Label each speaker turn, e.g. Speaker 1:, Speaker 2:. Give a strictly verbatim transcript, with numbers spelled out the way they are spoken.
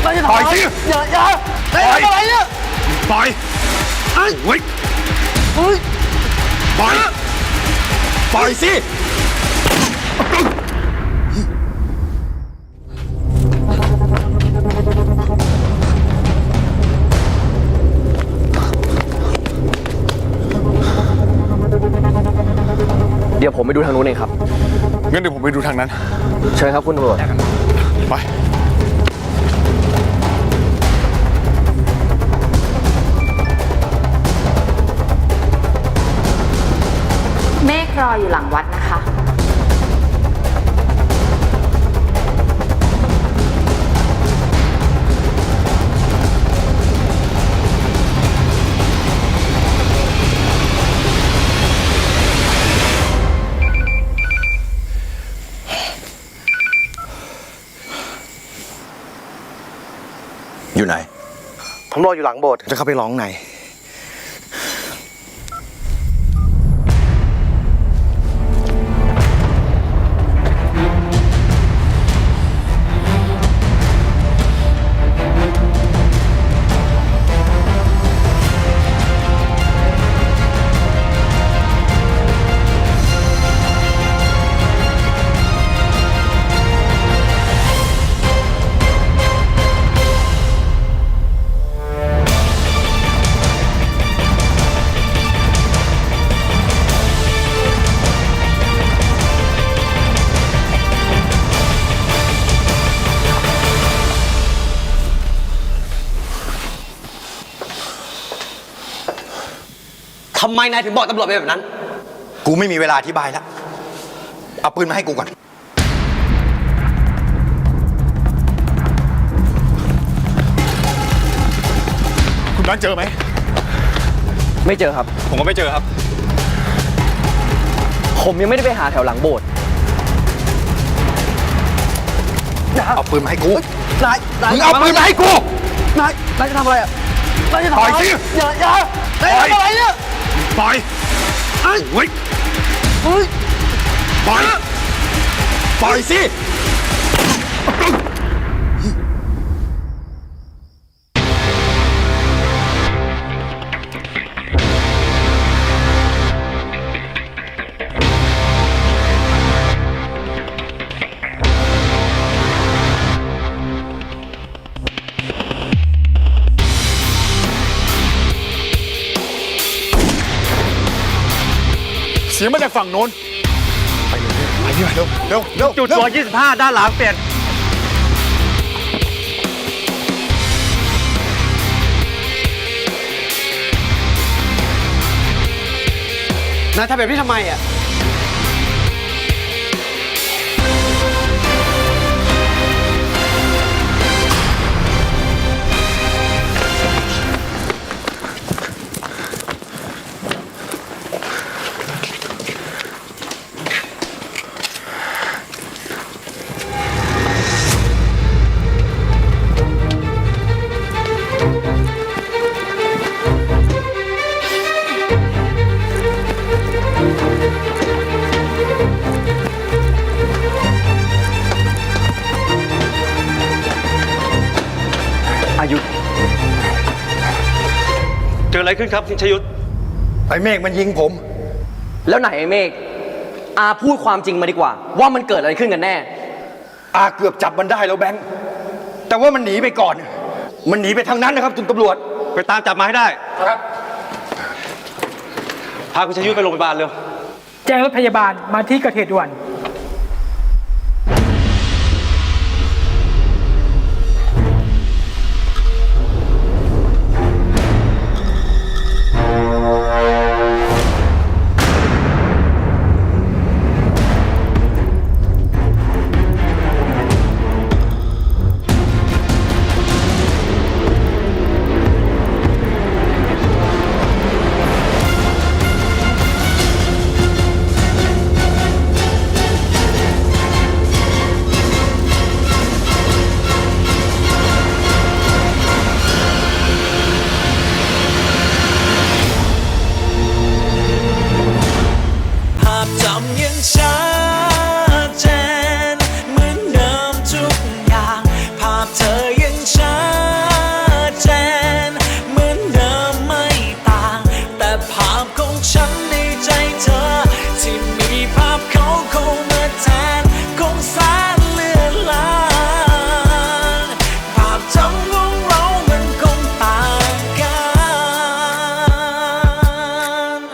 Speaker 1: ปล่อยสิ
Speaker 2: อย่าอย่าปล่อยอะไรเนี่ย
Speaker 1: ปล่อยเฮ้ยเฮ้ยปล่อยปล่อยสิ
Speaker 2: เดี๋ยวผมไปดูทางนู้นเองครับ
Speaker 1: งั้นเดี๋ยวผมไปดูทางนั้น
Speaker 2: เชิญครับคุณตำรวจ
Speaker 1: ไป
Speaker 3: เมฆรออยู่หลังวัดนะคะ
Speaker 1: อยู่ไหน
Speaker 2: ผมรออยู่หลังโบสถ์จะเข้าไปร้องไหน
Speaker 4: ทำไมนายถึงบอกตำรวจไปแบบนั้น
Speaker 1: กูไม่มีเวลาอธิบายแล้วเอาปืนมาให้กูก่อนคุณนั้นเจอไหม
Speaker 2: ไม่เจอครับ
Speaker 1: ผมก็ไม่เจอครับ
Speaker 2: ผมยังไม่ได้ไปหาแถวหลังโบสถ์
Speaker 1: เอาปืนมาให้กู
Speaker 2: นาย
Speaker 1: มึงเอาปืนมาให้กู
Speaker 2: นายนายจะทำอะไรอ่ะนายจะทำอะไร
Speaker 1: ปล่อยสิ
Speaker 2: อย่าอย่าปล่อยอะไรเนี่ย
Speaker 1: ปล่อยเฮ้ยเฮ้ยปล่อยปล่อยสิเสียงมาจากฝั่งโน้นไปเร็วไปเร็วเร็วเร็วเร็ว
Speaker 2: จุดตัวยี่สิบห้าด้านหลังเปลี่ยน
Speaker 4: นายทำแบบนี้ทำไมอ่ะ
Speaker 2: อายุ
Speaker 5: เกิดอะไรขึ้นครับคุณชยุทธ
Speaker 1: ไอ้เมฆมันยิงผม
Speaker 2: แล้วไหนไอ้เมฆอาพูดความจริงมาดีกว่าว่ามันเกิดอะไรขึ้นกันแน่
Speaker 1: อาเกือบจับมันได้แล้วแบงค์แต่ว่ามันหนีไปก่อนมันหนีไปทางนั้นนะครับคุณตำรวจ
Speaker 5: ไปตามจับมาให้ได้
Speaker 1: ครับ
Speaker 5: พาคุณชยุทธไปโรงพยาบาลเร็ว
Speaker 6: แจ้งรถพยาบาลมาที่เกิดเหตุด่วน